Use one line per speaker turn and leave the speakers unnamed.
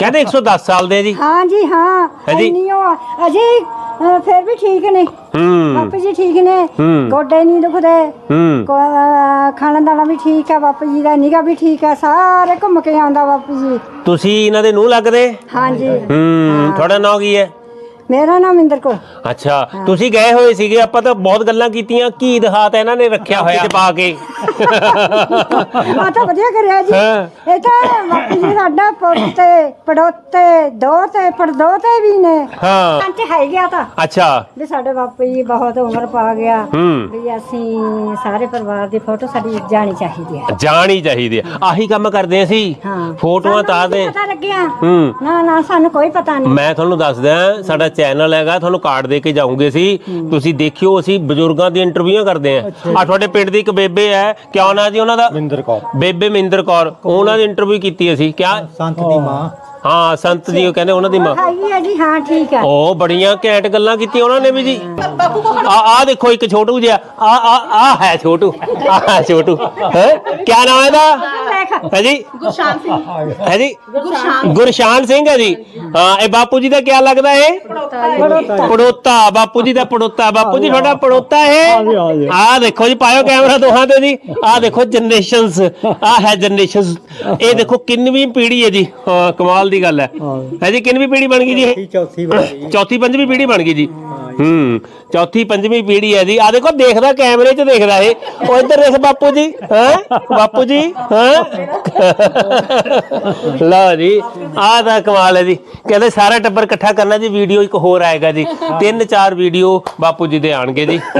कहते 110 साल दे जी।
हाँ जी हाँ
जी।
अजी फिर भी ठीक ने बापू जी ठीक ने गोडे नहीं दुखदे खाना दाना भी ठीक है बापू जी का निगा भी ठीक है सारे घूम के आंदा बापू जी
तुसी इन्हां दे नूंह लगदे
हाँ जी
थोड़ा नाम की है
मेरा नाम इंदर कौर
अच्छा ਤੁਸੀਂ ਗਏ ਹੋਏ ਸੀਗੇ ਆਪਾਂ ਤਾਂ ਬਹੁਤ ਗੱਲਾਂ ਕੀਤੀਆਂ ਕੀ ਦਿਖਾਤਾ ਇਹਨਾਂ ਨੇ ਰੱਖਿਆ ਹੋਇਆ ਪਾ ਕੇ
ਆ ਤਾਂ ਵਧੀਆ ਕਰਿਆ ਜੀ ਇਹ ਤਾਂ ਬਾਪੂ ਜੀ ਸਾਡਾ ਪੋਤੇ ਪੜੋਤੇ ਦੋਤੇ ਪੜਦੋਤੇ ਵੀ ਨੇ
ਹਾਂ
ਕੰਚ ਹੈ ਗਿਆ ਤਾਂ
ਅੱਛਾ
ਵੀ ਸਾਡੇ ਬਾਪੂ ਜੀ ਬਹੁਤ ਉਮਰ ਪਾ ਗਿਆ ਵੀ ਅਸੀਂ ਸਾਰੇ ਪਰਿਵਾਰ ਦੀ ਫੋਟੋ ਸਾਡੀ ਜਾਣੀ ਚਾਹੀਦੀ ਹੈ
ਜਾਣੀ ਚਾਹੀਦੀ ਹੈ ਆਹੀ ਕੰਮ ਕਰਦੇ ਅਸੀਂ ਫੋਟੋਆਂ ਤਾਂ ਦੇ
ਪਤਾ ਲੱਗਿਆ ਨਾ ਨਾ ਸਾਨੂੰ ਕੋਈ ਪਤਾ ਨਹੀਂ
ਮੈਂ ਤੁਹਾਨੂੰ ਦੱਸਦਾ ਸਾਡਾ ਚੈਨਲ ਹੈਗਾ ਤੁਹਾਨੂੰ ਕਾਰਡ ਦੇ ਕੇ ਜਾਉਂਗੇ ਸੀ ਤੁਸੀਂ ਦੇਖਿਓ ਅਸੀਂ ਬਜ਼ੁਰਗਾਂ ਦੀ ਇੰਟਰਵਿਊਆਂ ਕਰਦੇ ਆ ਆ ਤੁਹਾਡੇ ਪਿੰਡ ਦੀ ਇੱਕ ਬੇਬੇ ਹੈ ਕਿਆ ਨਾਂ ਜੀ ਉਹਨਾਂ ਦਾ
ਮਿੰਦਰ ਕੌਰ
ਬੇਬੇ ਮਿੰਦਰ ਕੌਰ ਉਹਨਾਂ ਦੀ ਇੰਟਰਵਿਊ ਕੀਤੀ ਅਸੀਂ ਕਿਆ
ਸੰਤ ਦੀ ਮਾਂ
ਹਾਂ ਸੰਤ ਜੀ ਉਹ ਕਹਿੰਦੇ ਉਹਨਾਂ ਦੀ ਮਾਂ
ਹੈਗੀ ਹੈ ਜੀ ਹਾਂ ਠੀਕ ਹੈ
ਉਹ ਬੜੀਆਂ ਘੈਂਟ ਗੱਲਾਂ ਕੀਤੀਆਂ ਉਹਨਾਂ ਨੇ ਵੀ ਜੀ ਆ ਦੇਖੋ ਇੱਕ ਛੋਟੂ ਜਿਹਾ ਆ ਹੈ ਛੋਟੂ ਆ ਛੋਟੂ ਹੈ ਕਿਆ ਨਾਮ ਹੈ ਇਹਦਾ ਹੈ ਜੀ
ਗੁਰਸ਼ਾਨ ਸਿੰਘ
ਹੈ ਜੀ ਗੁਰਸ਼ਾਨ ਸਿੰਘ ਹੈ ਜੀ ਹਾਂ ਇਹ ਬਾਪੂ ਜੀ ਦਾ ਕਿਆ ਲੱਗਦਾ ਹੈ ਪੜੋਤਾ ਬਾਪੂ ਜੀ ਦਾ ਪੜੋਤਾ ਬਾਪੂ ਜੀ ਤੁਹਾਡਾ ਪੜੋਤਾ ਹੈ ਆ ਦੇਖੋ ਜੀ ਪਾਇਓ ਕੈਮਰਾ ਦੋਹਾਂ ਤੇ ਜੀ ਆ ਦੇਖੋ ਜਨਰੇਸ਼ਨਸ ਆ ਹੈ ਜਨਰੇਸ਼ਨਸ ਇਹ ਦੇਖੋ ਕਿੰਨਵੀਂ ਪੀੜ੍ਹੀ ਹੈ ਜੀ ਹਾਂ ਕਮਾਲ ਦੀ ਗੱਲ ਹੈ ਜੀ ਕਿੰਨਵੀਂ ਪੀੜ੍ਹੀ ਬਣ ਗਈ ਜੀ ਇਹ ਚੌਥੀ ਪੰਜਵੀਂ ਪੀੜ੍ਹੀ ਬਣ ਗਈ ਜੀ ਚੌਥੀ ਪੰਜਵੀਂ ਪੀੜ੍ਹੀ ਹੈ ਜੀ ਆ ਦੇਖੋ ਦੇਖਦਾ ਕੈਮਰੇ 'ਚ ਦੇਖਦਾ ਇਹ ਉਹ ਇੱਧਰ ਦੇਖ ਬਾਪੂ ਜੀ ਹੈ ਬਾਪੂ ਜੀ ਹੈ ਲਓ ਜੀ ਆਹ ਤਾਂ ਕਮਾਲ ਹੈ ਜੀ ਕਹਿੰਦੇ ਸਾਰਾ ਟੱਬਰ ਇਕੱਠਾ ਕਰਨਾ ਜੀ ਵੀਡੀਓ ਇੱਕ ਹੋਰ ਆਏਗਾ ਜੀ 3-4 ਵੀਡੀਓ ਬਾਪੂ ਜੀ ਦੇ ਆਣਗੇ ਜੀ